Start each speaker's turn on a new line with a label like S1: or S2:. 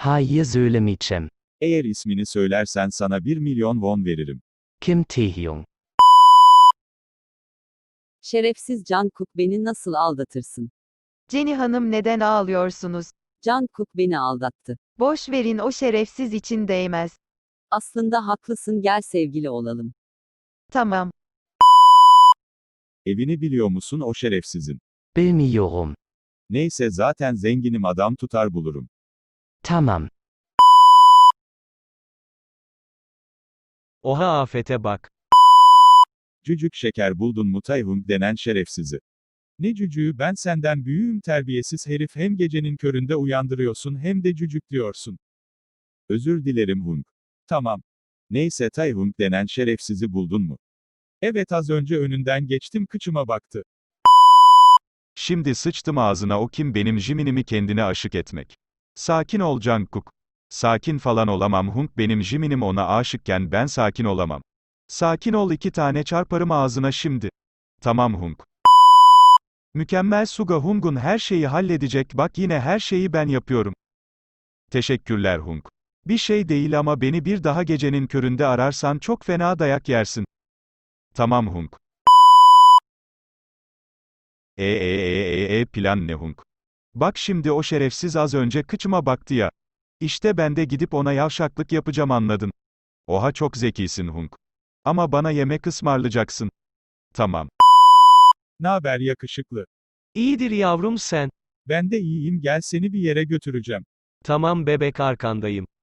S1: Hayır söylemeyeceğim.
S2: Eğer ismini söylersen sana 1.000.000 won veririm.
S1: Kim Taehyung.
S3: Şerefsiz Jungkook, beni nasıl aldatırsın?
S4: Jenny Hanım, neden ağlıyorsunuz?
S3: Jungkook beni aldattı.
S4: Boş verin, o şerefsiz için değmez.
S3: Aslında haklısın, gel sevgili olalım.
S4: Tamam.
S2: Evini biliyor musun o şerefsizin?
S1: Bilmiyorum.
S2: Neyse zaten zenginim, adam tutar bulurum.
S1: Tamam.
S5: Oha, afete bak.
S2: Cücük şeker, buldun mu Taehyung denen şerefsizi? Ne cücüğü, ben senden büyüğüm terbiyesiz herif, hem gecenin köründe uyandırıyorsun hem de cücük diyorsun. Özür dilerim Hung. Tamam. Neyse, Taehyung denen şerefsizi buldun mu? Evet, az önce önünden geçtim, kıçıma baktı.
S6: Şimdi sıçtım ağzına, o kim benim Jimin'imi kendine aşık etmek. Sakin ol Jungkook. Sakin falan olamam Hung, benim Jimin'im ona aşıkken ben sakin olamam. Sakin ol, 2 tane çarparım ağzına şimdi. Tamam Hung. Mükemmel Suga, Hung'un her şeyi halledecek, bak yine her şeyi ben yapıyorum. Teşekkürler Hung. Bir şey değil ama beni bir daha gecenin köründe ararsan çok fena dayak yersin. Tamam Hung. Plan ne Hung? Bak şimdi o şerefsiz az önce kıçıma baktı ya. İşte ben de gidip ona yavşaklık yapacağım, anladın? Oha, çok zekisin Hung. Ama bana yemek ısmarlayacaksın. Tamam.
S2: Naber yakışıklı?
S5: İyidir yavrum sen.
S2: Ben de iyiyim, gel seni bir yere götüreceğim.
S5: Tamam bebek, arkandayım.